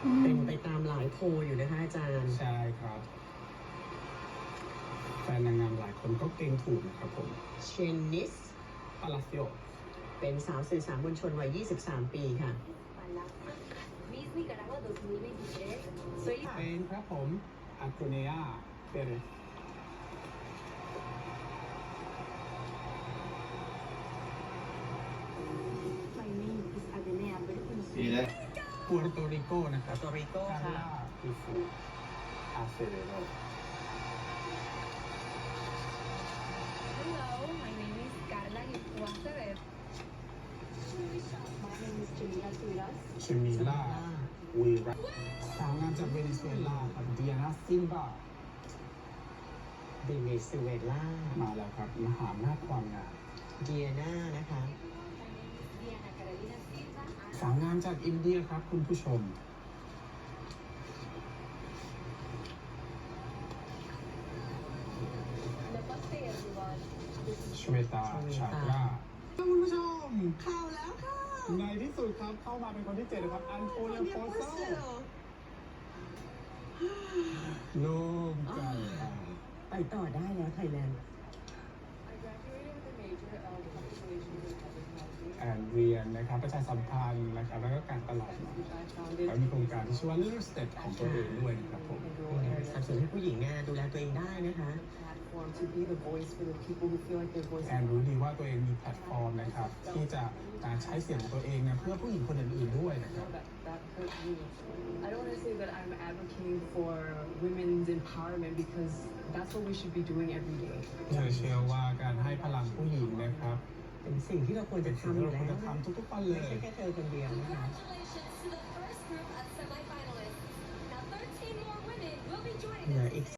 เป็นไปตามหลายโพลอยู่นะคะอาจารย์ใช่ครับแฟนนางงามหลายคนก็เก่งถูกนะครับผมเชนนิสปาลาซิโอเป็นสาวสื่อสารมวลชนวัย 23 ปีค่ะ Miss Nicaragua 2023. Soy เป็นครับผม อันโตเนียเปเรส My name is Adenea Berkins. ดีแล้วปัวร์โตริโกนะครับ Puerto Rico กาค่ะล่าคูฟูอาเซเรโร Hello, my name is Carla Guasaver. My name is Jamila Turas. ชิมิล่าวีรัสสาวงามจากเวเนซุเอลาครับเดียนาซินบาเบเนซุเอลามาแล้วครับมหาอำนาจความงามเดียนานะคะ Diana Carolina Silva. สาวงามจากอินเดียครับคุณผู้ชม Namaste everyone. ชเวตาชาตราคุณผู้ชมเข้าแล้วค่ะในที่สุดครับเข้ามาเป็นคนที่ 7นะครับ อันโทเนียโพโซโล่งใจไปต่อได้แล้วไทยแลนด์ I graduated with a major of public relations and advertising. แอนเรียนนะครับประชาสัมพันธ์นะครับแล้วก็การตลาด Which I founded แล้วมีโครงการที่ชื่อว่า Little Step ของตัวเองด้วยนะครับผม in rural สนับ areas. สนุนให้ผู้หญิงเนี่ยดูแลตัวเองได้นะคะ Platform to be the voice for the people who feel like their voice แอนรู้ดีว่าตัวเองมีแพลตฟอร์มนะครับที่จะใช้เสียงของตัวเองนะเพื่อผู้หญิงคนอื่นๆด้วยนะครับ that hurt me. I don't want to say that I'm advocating for women's empowerment because that's what we should be doing every day. เธอเชื่อว่าการให้พลังผู้หญิงนะครับเป็นสิ่งที่เราควรจะสิ่งทำอที่ยู่เราควแล้รวจะนะทำทุกๆวันเลไม่ยใช่แค่เธอคนเดียวนะคะ Congratulations to the first group of semifinalists. Now 13 more women will be joining เหลือ us. อีก